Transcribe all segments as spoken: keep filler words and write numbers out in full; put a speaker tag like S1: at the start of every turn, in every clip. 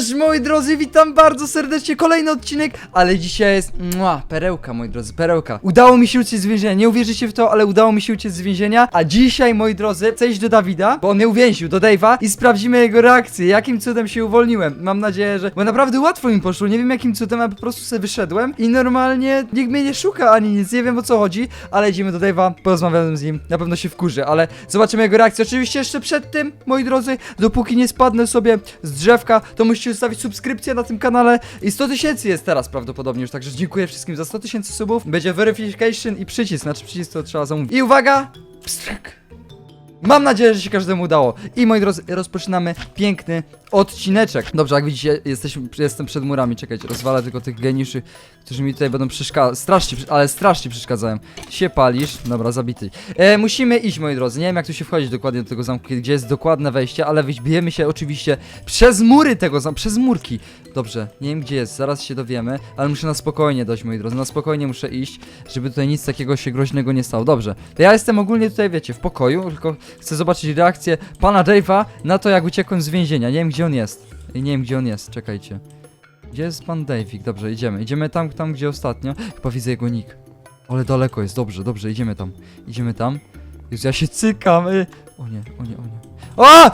S1: Cześć moi drodzy, witam bardzo serdecznie, kolejny odcinek, ale dzisiaj jest, mua, perełka moi drodzy, perełka. Udało mi się uciec z więzienia, nie uwierzycie w to, ale udało mi się uciec z więzienia, a dzisiaj moi drodzy, chcę iść do Dawida, bo on mnie uwięził, do Dave'a i sprawdzimy jego reakcję, jakim cudem się uwolniłem. Mam nadzieję, że, bo naprawdę łatwo mi poszło, nie wiem jakim cudem, a po prostu sobie wyszedłem i normalnie nikt mnie nie szuka ani nic, nie wiem o co chodzi, ale idziemy do Dave'a, porozmawiamy z nim, na pewno się wkurzy, ale zobaczymy jego reakcję. Oczywiście jeszcze przed tym, moi drodzy, dopóki nie spadnę sobie z drzewka, to musicie zostawić subskrypcję na tym kanale i sto tysięcy jest teraz prawdopodobnie już, także dziękuję wszystkim za sto tysięcy subów. Będzie verification i przycisk, znaczy przycisk to trzeba zamówić. I uwaga! Pstryk. Mam nadzieję, że się każdemu udało. I moi drodzy, rozpoczynamy piękny odcineczek. Dobrze, jak widzicie, jesteśmy, jestem przed murami. Czekajcie, rozwalę tylko tych geniuszy, którzy mi tutaj będą przeszkadzać. Strasznie, ale strasznie przeszkadzają. Się palisz. Dobra, zabity. E, musimy iść, moi drodzy. Nie wiem, jak tu się wchodzić dokładnie do tego zamku, gdzie jest dokładne wejście, ale wybijemy się oczywiście przez mury tego zamku, przez murki. Dobrze, nie wiem gdzie jest, zaraz się dowiemy, ale muszę na spokojnie dojść, moi drodzy. Na spokojnie muszę iść, żeby tutaj nic takiego się groźnego nie stało. Dobrze, to ja jestem ogólnie tutaj, wiecie, w pokoju, tylko chcę zobaczyć reakcję pana Dave'a na to, jak uciekłem z więzienia. Nie wiem gdzie on jest. Nie wiem gdzie on jest, czekajcie. Gdzie jest pan Dave'ik? Dobrze, idziemy. Idziemy tam, tam gdzie ostatnio. Chyba widzę jego nick. Ale daleko jest, dobrze, dobrze, idziemy tam. Idziemy tam. Jezu, ja się cykam. Y... O nie, o nie, o nie. O!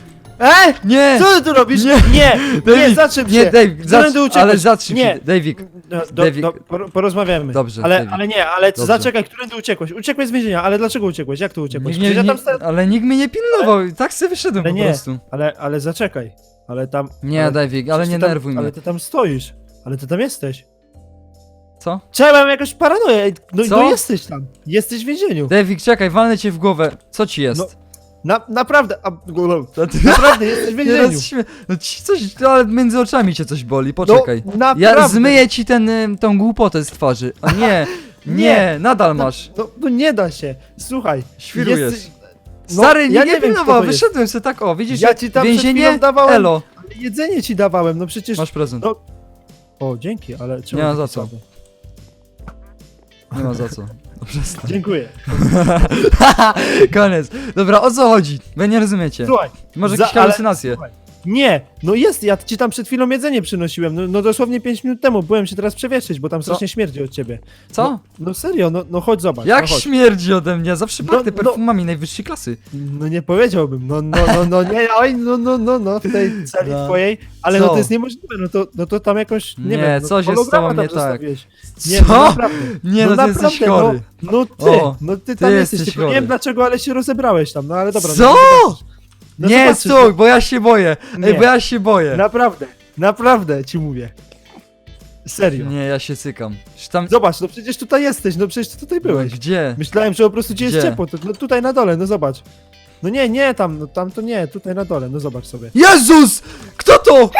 S2: E?
S1: Nie!
S2: Co ty tu robisz?
S1: Nie.
S2: Nie, nie,
S1: Dave'ik,
S2: zatrzym się.
S1: nie, Dave,
S2: Którędy
S1: zacz,
S2: uciekłeś?
S1: ale zatrzym
S2: Nie.
S1: się, Dave'ik.
S2: No, do,
S1: David.
S2: do, por, porozmawiamy.
S1: Dobrze,
S2: ale,
S1: David.
S2: ale nie, ale
S1: Dobrze.
S2: zaczekaj, którędy uciekłeś? Uciekłeś z więzienia, ale dlaczego uciekłeś? Jak to uciekłeś?
S1: Nikt nie,
S2: Przecież ja tam
S1: nie,
S2: sta-
S1: ale nikt mnie nie pilnował, tak sobie wyszedłem
S2: Ale
S1: po
S2: nie.
S1: prostu.
S2: ale, ale zaczekaj. Ale tam...
S1: Nie,
S2: ale,
S1: Dave'ik, ale
S2: przecież
S1: nie
S2: ty tam,
S1: nerwuj mnie.
S2: Ale ty tam stoisz. Ale ty tam jesteś.
S1: Co?
S2: Czemu mam jakąś paranoję? No,
S1: Co?
S2: no jesteś tam. Jesteś w więzieniu.
S1: Dave'ik, czekaj, walnę cię w głowę. Co ci jest?
S2: No, Na, naprawdę, a,
S1: To ty-
S2: naprawdę jesteś w
S1: Nie
S2: więzieniu.
S1: rozśmie... No ci coś, no, ale między oczami cię coś boli, poczekaj.
S2: No, naprawdę.
S1: Ja zmyję ci ten, y, tą głupotę z twarzy. O nie, nie,
S2: Nie.
S1: nadal masz.
S2: No, no nie da się. Słuchaj.
S1: Świrujesz.
S2: jesteś- No,
S1: Stary,
S2: ja
S1: nie, nie
S2: wiem, kto
S1: pilnował,
S2: to jest.
S1: wyszedłem sobie tak, o, widzisz,
S2: Ja ci tam przed
S1: więzienie,
S2: chwilą dawałem-
S1: elo,
S2: Ale jedzenie ci dawałem, no przecież...
S1: masz prezent.
S2: No. O, dzięki, ale czemu
S1: Nie ma
S2: taki
S1: za co.
S2: słaby?
S1: Nie ma za co. No, przestań.
S2: Dziękuję.
S1: Koniec. Dobra, o co chodzi? Wy nie rozumiecie.
S2: Słuchaj.
S1: Może
S2: za-
S1: jakieś
S2: ale-
S1: halucynacje.
S2: słuchaj, Nie, no jest, ja ci tam przed chwilą jedzenie przynosiłem, no, no dosłownie pięć minut temu, byłem się teraz przewietrzyć, bo tam strasznie śmierdzi od ciebie.
S1: Co?
S2: No, no serio, no, no chodź zobacz.
S1: Jak
S2: no, chodź.
S1: śmierdzi ode mnie? Zawsze
S2: No,
S1: pachnę
S2: no.
S1: perfumami najwyższej klasy.
S2: No nie powiedziałbym, no, no, no, no, nie, oj, no, no, no, no, w tej celi
S1: No.
S2: twojej, ale
S1: Co?
S2: no to jest niemożliwe, no to, no to tam jakoś, nie,
S1: Nie,
S2: wiem, no,
S1: coś jest z
S2: holograma
S1: tobą
S2: tam
S1: nie tak.
S2: zostawiłeś.
S1: Co?
S2: Nie, no naprawdę.
S1: Nie, no, ty jesteś
S2: naprawdę,
S1: chory.
S2: No, no ty,
S1: O,
S2: no ty
S1: ty
S2: tam
S1: jesteś
S2: jesteś, tylko nie
S1: chory.
S2: wiem dlaczego, ale się rozebrałeś tam, no ale dobra.
S1: Co?
S2: No, zobaczysz. No
S1: nie,
S2: zobaczysz,
S1: stój, bo ja się boję. Ej,
S2: Nie.
S1: bo ja się boję.
S2: Naprawdę, naprawdę ci mówię. Serio.
S1: Nie, ja się cykam. Czy tam...
S2: Zobacz, no przecież tutaj jesteś, no przecież ty tutaj byłeś.
S1: Gdzie?
S2: Myślałem, że po prostu ci jest
S1: Gdzie?
S2: ciepło, to no tutaj na dole, no zobacz. No nie, nie tam, no tam to nie, tutaj na dole, no zobacz sobie.
S1: Jezus! Kto to?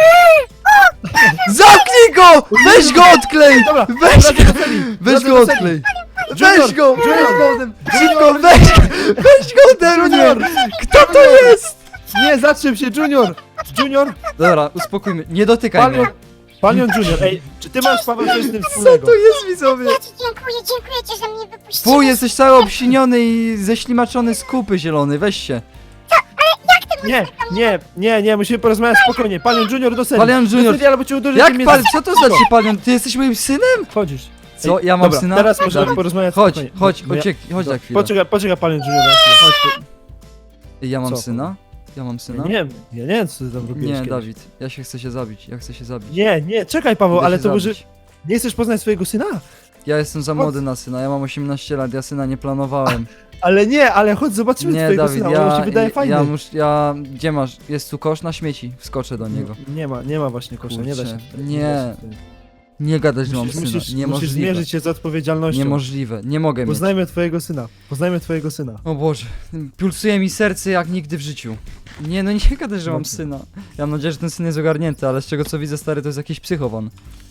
S1: Zamknij go! Weź go odklej!
S2: Dobra,
S1: Weź
S2: wracaj
S1: go!
S2: do celi,
S1: Weź
S2: wracaj
S1: go
S2: do celi.
S1: odklej!
S2: Junior,
S1: Weź go! Weź
S2: Junior,
S1: go ode mnie! Szybko, weź! Weź go ode mnie!
S2: Junior!
S1: Kto to jest?
S2: Nie, zatrzym się, Junior! Junior!
S1: Dobra, uspokójmy. Nie dotykaj
S2: Palion,
S1: mnie.
S2: Palion Junior, ej, czy ty masz Paweł coś z tym
S1: Co
S2: wspólnego?
S1: to jest, widzowie?
S3: Ja ci dziękuję, dziękuję ci, że mnie wypuściłeś.
S1: Fuj, jesteś cały obsiniony i ześlimaczony z kupy zielony, weź się.
S2: Nie, nie, nie, nie, musimy porozmawiać spokojnie. Palion Junior do celi.
S1: Palion Junior.
S2: Do celi, albo cię uderzy
S1: Jak
S2: tym
S1: pan,
S2: językiem.
S1: co to znaczy palion? Ty jesteś moim synem?
S2: Chodzisz.
S1: Co,
S2: Ej,
S1: ja mam
S2: dobra,
S1: syna?
S2: teraz możemy
S1: Dawid,
S2: porozmawiać
S1: Chodź,
S2: spokojnie.
S1: chodź,
S2: No ja-
S1: chodź, chodź na chwilę.
S2: Poczekaj, poczekaj, Palion Junior na chwilę.
S1: Chodź. Ej, Ja mam
S2: Co?
S1: syna? Ja mam
S2: Ja
S1: syna?
S2: nie wiem, ja nie wiem, co ty tam robiłeś
S1: Nie,
S2: kiedyś.
S1: Dawid, ja się chcę się zabić, ja chcę się zabić.
S2: Nie, nie, czekaj Paweł,
S1: Idę
S2: ale
S1: się
S2: to może...
S1: zabić.
S2: Nie chcesz poznać swojego syna?
S1: Ja jestem za młody na syna, ja mam osiemnaście lat, ja syna nie planowałem.
S2: Ale nie, ale chodź zobaczymy
S1: Nie,
S2: twojego
S1: Dawid,
S2: syna,
S1: ja,
S2: on się wydaje fajny.
S1: ja mus, ja, gdzie masz, jest tu kosz na śmieci, wskoczę do niego.
S2: Nie ma, nie ma właśnie kosza, nie da się.
S1: Kurczę,
S2: tutaj,
S1: nie.
S2: da się tutaj.
S1: Nie gadać, że mam
S2: Musisz,
S1: syna,
S2: musisz, musisz
S1: niemożliwe.
S2: zmierzyć się z odpowiedzialnością.
S1: Niemożliwe, nie mogę mieć.
S2: Poznajmy twojego syna, poznajmy twojego syna.
S1: O Boże, pulsuje mi serce jak nigdy w życiu. Nie, no nie gadaj, że mam
S2: Dobrze.
S1: syna. Ja mam nadzieję, że ten syn jest ogarnięty, ale z czego co widzę, stary, to jest jakiś psychowan.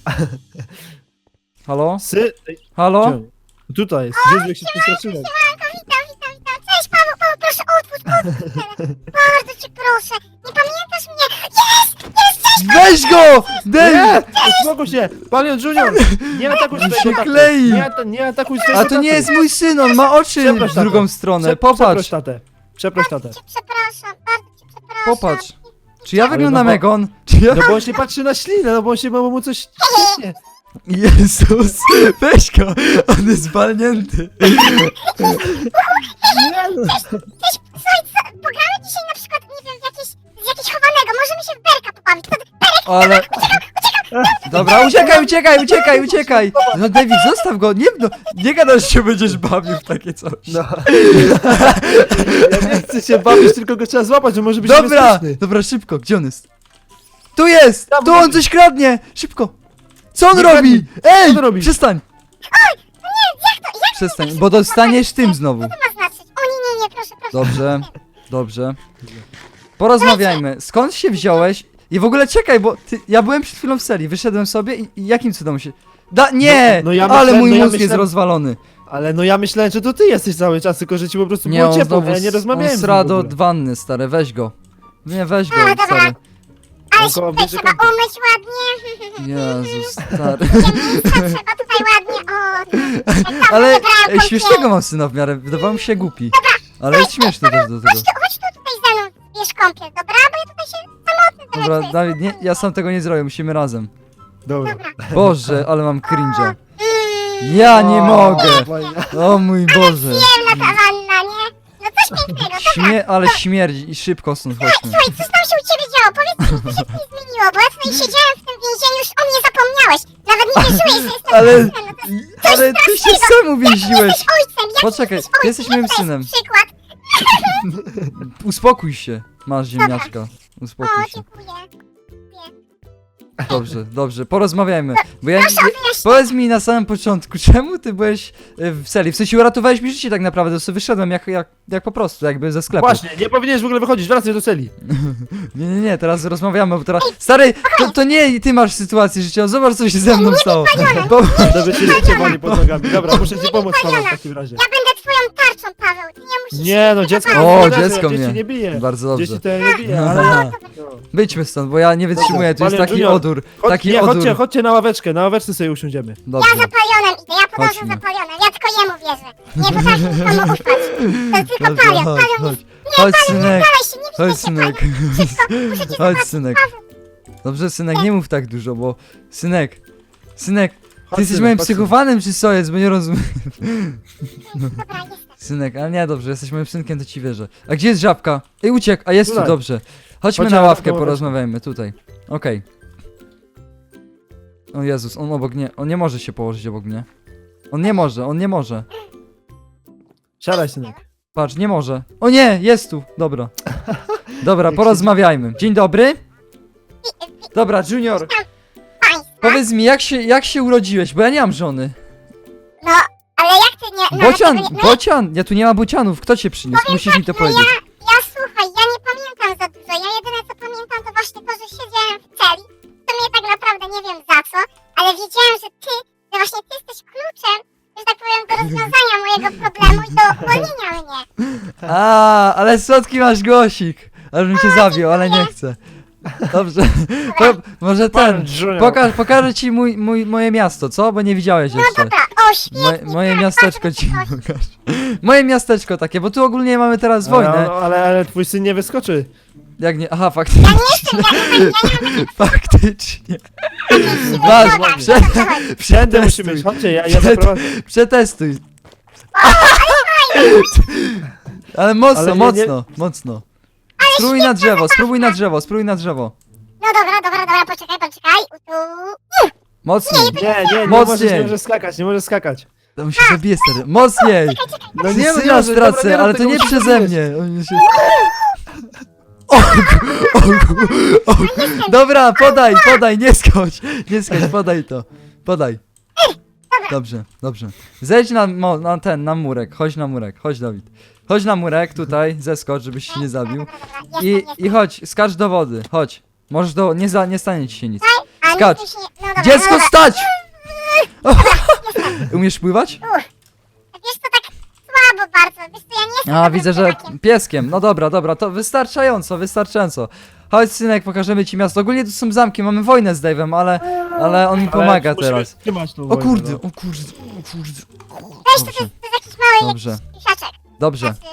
S1: Halo?
S2: Sy... Ej,
S1: Halo?
S2: gdzie on? Tutaj jest, Jezu, jak się przestraszyłem.
S3: Witam, witam, witam. Cześć Paweł, Paweł, proszę otwórz, otwórz teraz. Bardzo cię proszę. Nie pamiętasz mnie? Jest! Jest! Cześć!
S1: Weź go! Dave!
S2: Nie! Uspokój się! Palion Junior! Nie atakuj
S1: On
S2: swojego
S1: się
S2: taty!
S1: klei.
S2: Nie, ata nie atakuj swojego
S1: A to nie
S2: taty.
S1: jest mój syn, on ma oczy
S2: Przeproś
S1: w
S2: tatę.
S1: drugą stronę,
S2: Prze- Przeproś
S1: popatrz.
S2: tatę. Przeproś tatę.
S3: Cię przepraszam, bardzo cię przepraszam.
S1: Popatrz. Czy ja
S2: Ale
S1: wyglądam
S2: no bo-
S1: jak on? Czy
S2: No bo on się patrzy na ślinę, no bo on się, bo mu coś... Nie.
S1: Jezus, weź go, on jest walnięty.
S2: Nie, no.
S3: Cześć, słuchaj, co, pogramy dzisiaj na przykład, nie wiem, w jakieś, z jakiegoś chowanego, możemy się w berka pobawić. To,
S1: Ale... Dobra, uciekaj, uciekaj, uciekaj, uciekaj! No David, zostaw go, nie, no, nie gadaj, że się będziesz bawił w takie coś.
S2: No. Ja nie chcę się bawić, tylko go trzeba złapać, że może być
S1: Dobra,
S2: niebezpieczny.
S1: dobra, szybko, gdzie on jest? Tu jest!
S2: Tam
S1: Tu on
S2: chodzi.
S1: coś kradnie! Szybko! Co on
S2: Nie
S1: robi?
S2: kradnij.
S1: Ej!
S2: Co on robi?
S1: Przestań! Przestań, bo dostaniesz tym znowu.
S3: co to ma znaczyć? O nie, nie, nie, proszę, proszę.
S1: Dobrze, dobrze. Porozmawiajmy. Skąd się wziąłeś? I w ogóle czekaj, bo ty, ja byłem przed chwilą w serii, wyszedłem sobie i, i jakim cudem się... Da, nie!
S2: No- no ja
S1: ale
S2: myślałem-
S1: mój
S2: no ja
S1: mózg jest
S2: myślałem-
S1: rozwalony.
S2: Ale no ja myślałem, że to ty jesteś cały czas, tylko że ci po prostu
S1: Nie,
S2: było
S1: on
S2: ciepło,
S1: znowu
S2: a ja nie
S1: s-
S2: rozmawiałem
S1: on
S2: z nim
S1: sra
S2: w
S1: do
S2: ogóle.
S1: wanny, stary, weź go. Nie, weź go,
S3: A, dobra.
S1: stary.
S3: Ale
S2: On
S3: się
S2: koło
S3: tutaj
S2: bierze
S3: trzeba
S2: kąpie.
S3: umyć ładnie.
S1: Jezus, stary.
S3: Miejsca trzeba tutaj ładnie, o. Jak tam
S1: Ale
S3: wybrałam
S1: ej,
S3: kąpiel.
S1: śmiesznego mam syna w miarę, wydawało mi się głupi. Ale jest śmieszny też do tego.
S3: Chodź tu, chodź tu tutaj ze mną, bierz kąpiel, dobra? Bo ja tutaj się samotny trochę
S1: Dobra,
S3: czuję.
S1: Dawid, nie, ja sam tego nie zrobię, musimy razem.
S2: Dobra.
S3: Dobra.
S1: Boże, ale mam cringe'a.
S3: Mm,
S1: Ja nie
S2: O,
S1: mogę.
S2: fajnie.
S1: O mój Boże.
S3: Przyjemna ta wanna, nie? No coś pięknego, dobra.
S1: Śmie ale śmierdzi i szybko stąd chodźmy.
S3: Słuchaj, co tam się u ciebie działo? Powiedz mi, co się tutaj zmieniło, bo ja tutaj siedziałem w tym więzieniu, już o mnie zapomniałeś. Nawet nie wierzyłeś, że jestem
S1: Ale,
S3: ojcem. No to
S1: ale ty się sam uwięziłeś.
S3: jesteś ojcem, jak
S1: Poczekaj,
S3: jesteś ojcem?
S1: ty jesteś moim
S3: Jaki to jest
S1: synem.
S3: przykład?
S1: Uspokój się. Masz ziemniaczka.
S3: O,
S1: Uspokój się.
S3: dziękuję.
S1: Dobrze, dobrze, porozmawiajmy. Bo ja,
S3: Proszę o
S1: ja,
S3: wyjaśnienie.
S1: powiedz mi na samym początku, czemu ty byłeś y, w serii? W sensie uratowałeś mi życie tak naprawdę, to sobie wyszedłem jak, jak, jak po prostu, jakby ze sklepu.
S2: Właśnie, nie powinieneś w ogóle wychodzić, wracaj do celi.
S1: Nie, nie, nie, teraz rozmawiamy, bo teraz... Stary, to, to nie ty masz sytuację życiową, zobacz co się ze mną stało. Bo,
S2: Żeby się cię wali pod nogami. Dobra, muszę ci pomóc, Paweł, w takim razie.
S3: Ja będę twoją tarczą, Paweł, ty nie musisz...
S2: Nie no, dziecko...
S1: O,
S2: nie,
S1: dziecko
S2: dzieci
S1: mnie.
S2: nie bije.
S1: Bardzo
S2: Dzieci
S1: dobrze.
S2: to nie bije, ale...
S1: Aha.
S2: No.
S1: Wyjdźmy stąd, bo ja nie wytrzymuję, tu jest
S2: Panie
S1: taki
S2: Junior,
S1: odór,
S2: Chodź,
S1: taki
S2: nie,
S1: odór.
S2: chodźcie, chodźcie na ławeczkę, na ławeczce sobie usiądziemy.
S3: Ja
S1: Dobrze,
S3: za palionem idę, ja podążę
S1: Chodźmy.
S3: za palionem, ja tylko jemu wierzę. Nie potrafię nikomu ufać. To tylko
S1: dobrze,
S3: palion,
S1: chodź,
S3: palion
S1: chodź.
S3: jest...
S1: Chodź,
S3: Nie, palion,
S1: synek,
S3: nie dalej się, nie
S1: chodź,
S3: widzę się,
S1: synek.
S3: palion. Szybko, muszę cię
S1: Chodź,
S3: zobaczyć,
S1: synek.
S3: Paweł.
S1: Dobrze, synek, nie mów tak dużo, bo... Synek, synek, ty
S2: Chodź,
S1: jesteś
S2: synek,
S1: moim
S2: chodź,
S1: psychowanym czy co jest, bo nie rozumiem.
S3: Dobra, jestem.
S1: Synek, ale nie, dobrze, jesteś moim synkiem, to ci wierzę. A gdzie jest żabka? Ej, uciekł, a jest tu,
S2: Tutaj.
S1: dobrze. Chodźmy
S2: Chodźcie
S1: na
S2: na
S1: ławkę,
S2: ławkę.
S1: porozmawiajmy, tutaj. Okej. O Jezus, on obok nie, on nie może się położyć obok mnie. On nie może, on nie może.
S2: Siadaj, synek.
S1: Patrz, nie może. O nie, jest tu, dobra. Dobra, porozmawiajmy. Dzień dobry. Dobra, Junior,
S3: Państwa,
S1: powiedz mi, jak się, jak się urodziłeś, bo ja nie mam żony.
S3: no, ale jak ty nie... No,
S1: Bocian,
S3: dlaczego nie, no,
S1: bocian, ja tu nie ma bocianów, kto cię przyniósł? Musisz mi to
S3: no
S1: powiedzieć.
S3: ja, ja słuchaj, ja nie pamiętam za dużo, ja jedyne co pamiętam to właśnie to, że siedziałem w celi. To mnie tak naprawdę nie wiem za co, ale wiedziałem, że ty, że właśnie ty jesteś kluczem, że tak powiem, do rozwiązania mojego problemu i do uwolnienia mnie.
S1: A, ale słodki masz głosik. Aż bym cię zabił, ale nie chcę. Dobrze. Po, może ten.
S2: Pan Junior.
S1: Poka pokażę ci mój, mój, moje miasto, co? Bo nie widziałeś
S3: No
S1: jeszcze.
S3: dobra, o
S1: Moje,
S3: świetnie,
S1: moje
S3: tak,
S1: miasteczko
S3: bardzo
S1: ci
S3: mi się
S1: pokażę. Moje miasteczko takie, bo tu ogólnie mamy teraz
S2: Ale,
S1: wojnę.
S2: no, ale, ale twój syn nie wyskoczy.
S1: Jak nie? Aha, faktycznie. Faktycznie. Masz,
S3: Dobra,
S1: prze,
S2: Wszędzie
S1: przetestuj.
S2: musimy iść, chodźcie, ja, ja
S1: Przed-
S2: zaprowadzę.
S1: Przetestuj. Ale mocno,
S2: Ale nie-
S1: mocno, mocno. Spróbuj na drzewo, spróbuj na drzewo, spróbuj na drzewo.
S3: No dobra, dobra, dobra, poczekaj, poczekaj, u tu...
S1: Mocniej.
S2: Nie, nie, nie
S1: Mocniej.
S2: możesz, nie możesz skakać, nie możesz skakać.
S1: To mi się zabije, stary. Mocniej!
S2: No
S1: Nie
S2: nie,
S1: syna
S2: nie,
S1: stracę,
S2: dobra, nie rób
S1: ale to
S2: tego,
S1: nie
S2: musisz
S1: przeze
S2: zrobić.
S1: mnie. On się... Ogu, ogu, ogu. Dobra, podaj, podaj, nie skocz. Nie skocz, podaj to. Podaj. Dobrze, dobrze. Zejdź na, mo- na ten, na murek. Chodź na murek, chodź Dawid. Chodź na murek tutaj, zeskocz, żebyś się nie zabił. I, i chodź, skacz do wody, chodź. Możesz do... nie, za, nie stanie ci się nic. skacz.
S3: No
S1: Dziecko, stać! O, umiesz pływać?
S3: Wiesz to tak słabo bardzo, wiesz co, ja nie jestem
S1: A,
S3: dobrym
S1: widzę, że
S3: pływakiem.
S1: pieskiem. No dobra, dobra, to wystarczająco, wystarczająco. Chodź, synek, pokażemy ci miasto. Ogólnie tu są zamki, mamy wojnę z Dave'em, ale, ale on mi pomaga
S2: Ale musimy
S1: teraz.
S2: trzymać tą
S1: O
S2: wojnę,
S1: kurde,
S2: no.
S1: o kurde, o kurde.
S3: Weź to, to,
S1: Dobrze,
S3: to jest jakiś mały
S1: Dobrze.
S3: pisiaczek.
S1: dobrze.
S3: Znaczy,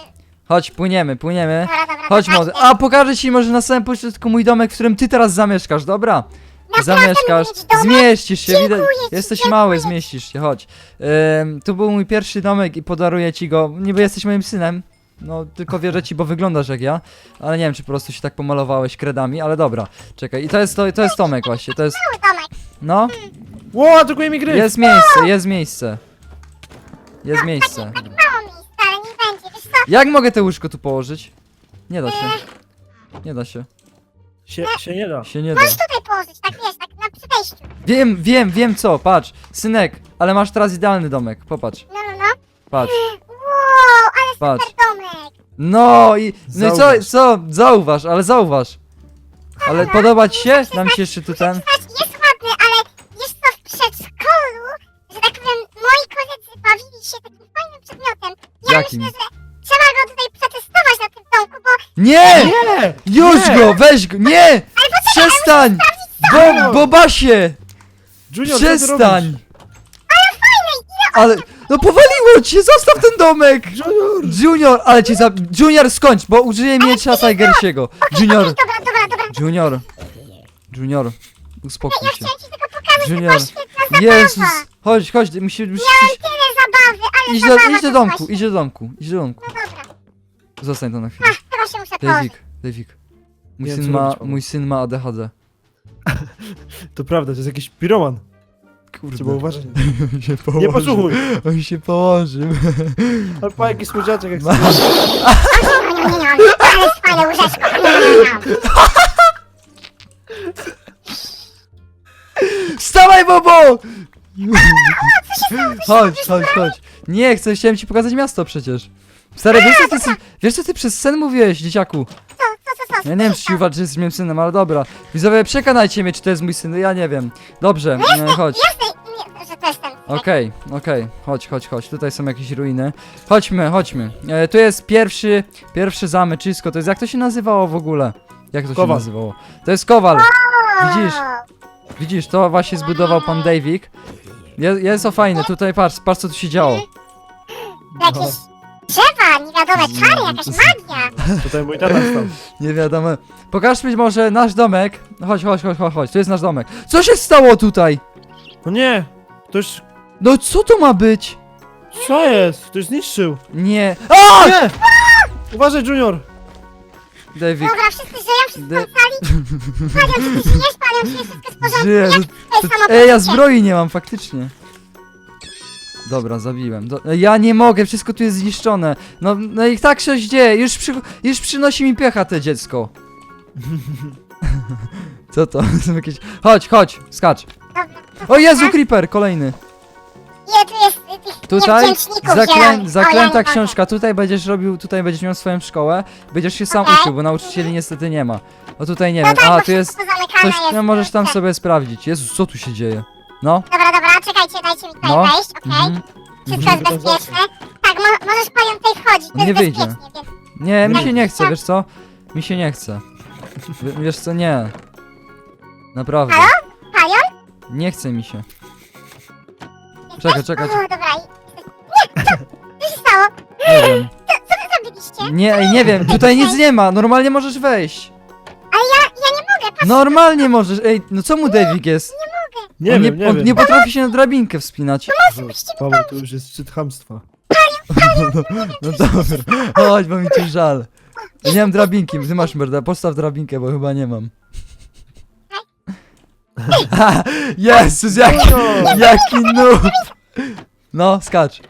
S1: Chodź, płyniemy, płyniemy.
S3: Dobra, dobra,
S1: Chodź
S3: dobra,
S1: młody.
S3: idę.
S1: A pokażę ci może na samym początku mój domek, w którym ty teraz zamieszkasz, dobra?
S3: Naprawdę
S1: Zamieszkasz,
S3: mówię ci domek?
S1: zmieścisz się,
S3: Dziękuję
S1: widać.
S3: ci,
S1: Jesteś
S3: dziękuję
S1: mały,
S3: ci.
S1: zmieścisz się, chodź. Ym, tu był mój pierwszy domek i podaruję ci go. Niby jesteś moim synem. No, tylko wierzę ci, bo wyglądasz jak ja. Ale nie wiem, czy po prostu się tak pomalowałeś kredami, ale dobra. Czekaj, i to jest to, to jest Tomek właśnie, to jest.
S3: Mały domek.
S1: No,
S2: Ło, atakuje mi gry!
S1: jest miejsce, jest miejsce. Jest miejsce.
S3: Tak mało miejsca, ale nie będzie, wiesz co?
S1: Jak mogę te łóżko tu położyć? Nie da się. Nie da się.
S2: Się, się nie da.
S1: Się nie da.
S3: Możesz tutaj położyć, tak wiesz, tak na przy wejściu.
S1: Wiem, wiem, wiem co, patrz. Synek, ale masz teraz idealny domek. Popatrz,
S3: No, no, no.
S1: patrz,
S3: Wow, ale
S1: patrz.
S3: super domek.
S1: No i. No i co,
S2: Zauważ.
S1: co? Zauważ, ale zauważ. Ale podoba ci się? Dam ci jeszcze tu ten.
S3: Muszę przyznać, jest ładny, ale wiesz co, w przedszkolu, że tak powiem, moi koledzy bawili się takim fajnym przedmiotem. Ja
S1: Jakim?
S3: myślę, że trzeba go tutaj przetestować na tym domku, bo
S1: Nie!
S2: Nie!
S1: Już
S2: Nie!
S1: go, weź go! Nie! Przestań! Bo, Bobasie!
S2: Junior, co ty
S1: Przestań!
S2: robisz?
S1: Ale. No powaliło cię! Zostaw ten domek!
S2: Junior!
S1: Junior, ale cię za. Junior, skończ, bo użyję miecza Tigersiego. Junior,
S3: dobra, dobra, dobra.
S1: Junior. Junior, uspokój
S3: Ja
S1: się.
S3: chciałem ci tylko pokazać, że
S1: Junior.
S3: była świetna zabawa.
S1: Jezus! Chodź, chodź, musisz. musisz
S3: Miałem tyle zabawy, ale
S1: idź, do,
S3: zabawa
S1: idź do
S3: to
S1: domku,
S3: właśnie.
S1: idź do domku, idź do domku.
S3: No dobra.
S1: Zostań to na chwilę.
S3: Ach, chyba się muszę położyć.
S1: Dawik, Dawik. Mój
S2: Nie wiem,
S1: syn
S2: co
S1: ma,
S2: robić, Paweł.
S1: mój syn ma A D H D.
S2: To prawda, to jest jakiś piroman.
S1: Kurde.
S2: Trzeba uważać.
S1: On się
S2: Nie
S1: położył.
S2: posłuchuj.
S1: On się położył.
S2: Ale pa, jaki słodziaczek, jak
S1: Ma-
S2: sobie...
S3: Nie, nie, nie, ale jest fajne łóżeczko. Nie, nie, nie.
S1: Wstawaj, Bobo! Chodź, chodź, chodź. Nie chcę, chciałem ci pokazać miasto przecież. Stary, wiesz co ty, wiesz co ty przez sen mówiłeś, dzieciaku?
S3: Co, co, co, co?
S1: Ja nie wiem, czy ci uważasz, że jesteś moim synem, ale dobra. Widzowie, przekonajcie mnie, czy to jest mój syn, ja nie wiem. Dobrze, e, chodź.
S3: Jasne, nie, że to jestem.
S1: Okej, okej, chodź, chodź, chodź. Tutaj są jakieś ruiny. Chodźmy, chodźmy. E, tu jest pierwszy, pierwszy zamyczysko. To jest, jak to się nazywało w ogóle? Jak to się
S2: Kowal.
S1: nazywało? To jest kowal.
S3: O,
S1: Widzisz? Widzisz, to właśnie zbudował pan Davik. Je, jest to fajne, tutaj patrz, patrz co tu się działo.
S3: Jakieś drzewa, niewiadome czary, jakaś magia.
S2: Tutaj mój tata stał.
S1: Nie wiadomo. Pokaż mi może nasz domek. Chodź, chodź, chodź, chodź, chodź, to jest nasz domek. Co się stało tutaj?
S2: No nie! Ktoś...
S1: No co to ma być?
S2: Co jest? Ktoś zniszczył.
S1: Nie. A!
S2: Nie! Uważaj, Junior!
S1: Davik.
S3: Dobra, wszyscy żyją, wszyscy
S1: De-
S3: są cali. Palion, czy ty żyjesz? Palion, czy wszystko jest w porządku?
S1: Żyję,
S3: Jak
S1: to-
S3: to jest
S1: Ej, ja zbroi nie mam, faktycznie. Dobra, zabiłem. Do, ja nie mogę, wszystko tu jest zniszczone. No, no i tak się dzieje, już, przy, już przynosi mi piecha te dziecko. Co to? Są jakieś... Chodź, chodź, skacz.
S3: Dobra,
S1: O Jezu, creeper, kolejny.
S3: ile tu jest y, tych
S1: Tutaj
S3: niewdzięczników
S1: zaklę,
S3: zielonych? O, ja
S1: zaklęta
S3: nie mogę.
S1: książka, tutaj będziesz robił, tutaj będziesz miał swoją szkołę. Będziesz się sam
S3: Okej.
S1: uczył, bo nauczycieli niestety nie ma. O tutaj nie
S3: No
S1: wiem,
S3: tak,
S1: a
S3: bo
S1: tu jest
S3: wszystko zamykane
S1: coś,
S3: jest.
S1: no możesz tam
S3: Tak.
S1: sobie sprawdzić. Jezus, co tu się dzieje? No.
S3: Dobra, dobra, czekajcie, dajcie mi tutaj
S1: No.
S3: wejść, okej?
S1: Mhm.
S3: Wszystko jest bezpieczne. Tak, mo możesz Palion tutaj wchodzić, to
S1: Nie
S3: jest
S1: wyjdzie.
S3: bezpiecznie, więc...
S1: Nie, mi
S2: Nie.
S1: się nie chce, wiesz co? Mi się nie chce. W, wiesz co, nie. Naprawdę.
S3: Halo? Palion?
S1: Nie chce mi się.
S3: Jesteś?
S1: Czekaj, czekaj,
S3: O,
S1: czekaj.
S3: dobra, i... Nie, co? Co się stało?
S1: Nie wiem.
S3: Co, co wy zrobiliście?
S1: Nie, ej, nie wiem, tutaj nic nie ma, normalnie możesz wejść.
S3: Ale ja, ja nie mogę, patrz,
S1: Normalnie możesz, ej, no co mu Davik jest?
S2: Nie
S1: on
S2: wiem,
S1: nie,
S2: nie
S1: on
S2: wiem.
S1: nie potrafi się na drabinkę wspinać.
S2: Paweł, to już jest szczyt chamstwa.
S1: No dobra, chodź, bo mi cię żal. Ja nie mam drabinki, ty masz merda, postaw drabinkę, bo chyba nie mam. Jezus, jaki, jaki noob! No, skacz.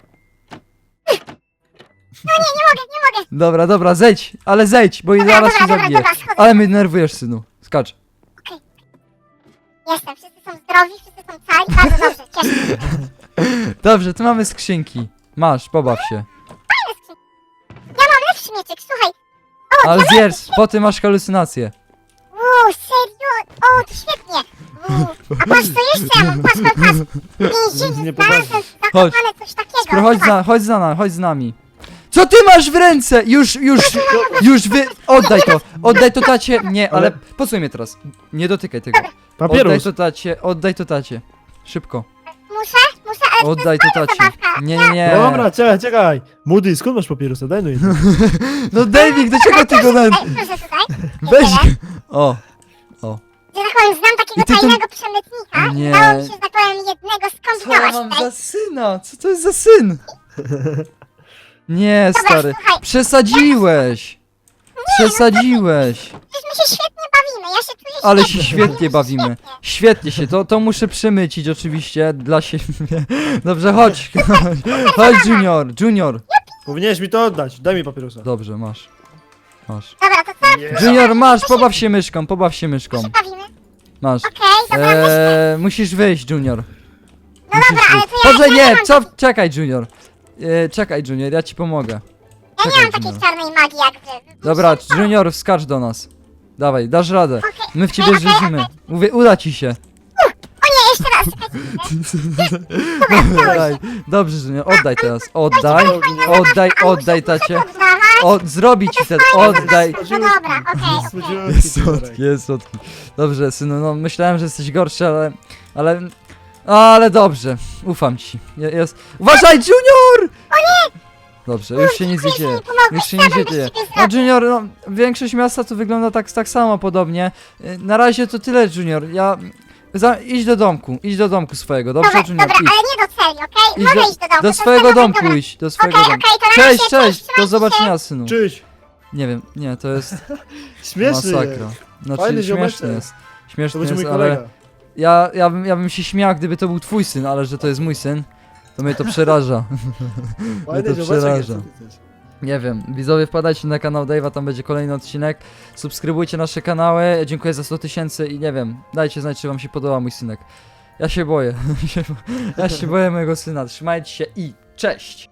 S3: nie mogę, nie mogę.
S1: Dobra, dobra, zejdź, ale zejdź, bo
S3: Dobra,
S1: zaraz
S3: dobra,
S1: się
S3: dobra,
S1: zabiję.
S3: dobra, schodzę.
S1: Ale mnie denerwujesz, synu. Skacz.
S3: Jestem, wszyscy są zdrowi, wszyscy są cali, bardzo dobrze, cieszę się.
S1: Dobrze, tu mamy skrzynki. Masz, pobaw się.
S3: Ja mam lepszy mieczyk, słuchaj.
S1: Ale zjedz, potem masz halucynacje.
S3: Uuu, serio? O, to świetnie. Uuu. A patrz, co jeszcze ja mam, patrz, patrz, patrz. W więzieniu
S2: Nie
S3: znalazłem
S1: Chodź.
S3: zakopane coś takiego.
S1: Spro, chodź, za, chodź za nami, chodź z nami. Co ty masz w ręce? Już, już, już wy... Oddaj to, oddaj to tacie. Nie, ale
S2: Ale-
S1: posłuchaj mnie teraz. Nie dotykaj tego. Oddaj
S2: Papierus!
S1: to tacie, oddaj to tacie. Szybko.
S3: Muszę, muszę, ale
S1: Oddaj to tacie.
S3: zabawka.
S1: Nie, nie, nie.
S2: Dobra, czekaj, czekaj. Moody, skąd masz papierosa? Daj no jedno.
S1: No David, do czego ty go na...
S3: Tutaj, proszę tutaj.
S1: Weź
S3: Tyle.
S1: O,
S3: Że tak powiem, znam takiego
S1: I ty to-
S3: tajnego przemytnika
S1: Nie.
S3: i udało mi się, że tak powiem, jednego
S1: co ja
S3: skombinować
S1: mam
S3: tutaj.
S1: za syna? Co to jest za syn? Nie,
S3: Dobra,
S1: stary.
S3: słuchaj,
S1: Przesadziłeś. Przesadziłeś.
S3: przecież my się świetnie bawimy, ja się czuję
S1: Ale
S3: świetnie.
S1: się świetnie
S3: bawimy.
S1: bawimy. Świetnie się, to, to muszę przemycić oczywiście dla siebie. Dobrze, chodź. Chodź, Junior, Junior.
S2: Powinieneś mi to oddać. Daj mi papierosa.
S1: Dobrze, masz. Masz.
S3: Dobra, to co?
S1: Junior, masz, pobaw się myszką, pobaw się myszką.
S3: się bawimy?
S1: Masz.
S3: Okej, dobra, myślę.
S1: Eee, musisz wyjść, Junior.
S3: No
S1: Musisz
S3: dobra, ale
S1: wyjść.
S3: to ja-
S1: Boże,
S3: ja
S1: nie,
S3: nie mam
S1: co? Czekaj, Junior. Eee, czekaj, Junior, ja ci pomogę.
S3: Ja nie
S1: czekaj,
S3: mam takiej
S1: Junior.
S3: czarnej magii jak wy.
S1: Dobra, Junior, wskacz do nas. Dawaj, dasz radę.
S3: Okej,
S1: My w ciebie
S3: okej, okej,
S1: wierzymy.
S3: okej.
S1: Mówię, uda ci się.
S3: O nie, jeszcze raz, czekajcie. Dobra,
S1: Daj. Dobrze, Junior, oddaj teraz. Oddaj, oddaj, oddaj, tacie.
S3: Oddawać.
S1: O, zrobi ci ten, oddaj.
S3: No dobra, okej, okej.
S1: Jest słodki, jest słodki. Dobrze, synu, no myślałem, że jesteś gorszy, ale... Ale... Ale dobrze, ufam ci. Je- Jest... Uważaj, Junior! O nie! Dobrze, już się nic nie dzieje. Już się nic nie dzieje. No Junior, no, większość miasta to wygląda tak, tak samo podobnie. Y, Na razie to tyle, Junior. Ja... Za, idź do domku, idź do domku swojego, dobrze,
S3: Dobra,
S1: Junior?
S3: dobra,
S1: Idź.
S3: ale nie do celi, okej?
S1: Idź
S3: Mogę
S1: do-
S3: iść do domku.
S1: Do
S3: to
S1: swojego
S3: dobra,
S1: domku
S3: dobra.
S1: idź, do swojego
S3: Okej,
S1: domku.
S3: okej, to na
S1: Cześć,
S3: razie,
S1: cześć, do
S3: trzymajcie się.
S1: zobaczenia, synu.
S2: Cześć.
S1: Nie wiem, nie, to jest
S2: Śmieszny
S1: masakra.
S2: jest.
S1: Znaczy,
S2: Fajny
S1: śmieszny
S2: ziomeczek.
S1: jest.
S2: To
S1: Śmieszny
S2: będzie
S1: jest,
S2: mój
S1: ale
S2: kolega.
S1: ja, ja, bym, ja bym się śmiał, gdyby to był twój syn, ale że to jest mój syn, to mnie to przeraża.
S2: Fajny
S1: to
S2: ziomeczek jest,
S1: przeraża.
S2: co ty chcesz?
S1: Nie wiem, widzowie, wpadajcie na kanał Dave'a, tam będzie kolejny odcinek. Subskrybujcie nasze kanały, dziękuję za sto tysięcy i nie wiem, dajcie znać, czy wam się podoba mój synek. Ja się boję, ja się boję mojego syna, trzymajcie się i cześć!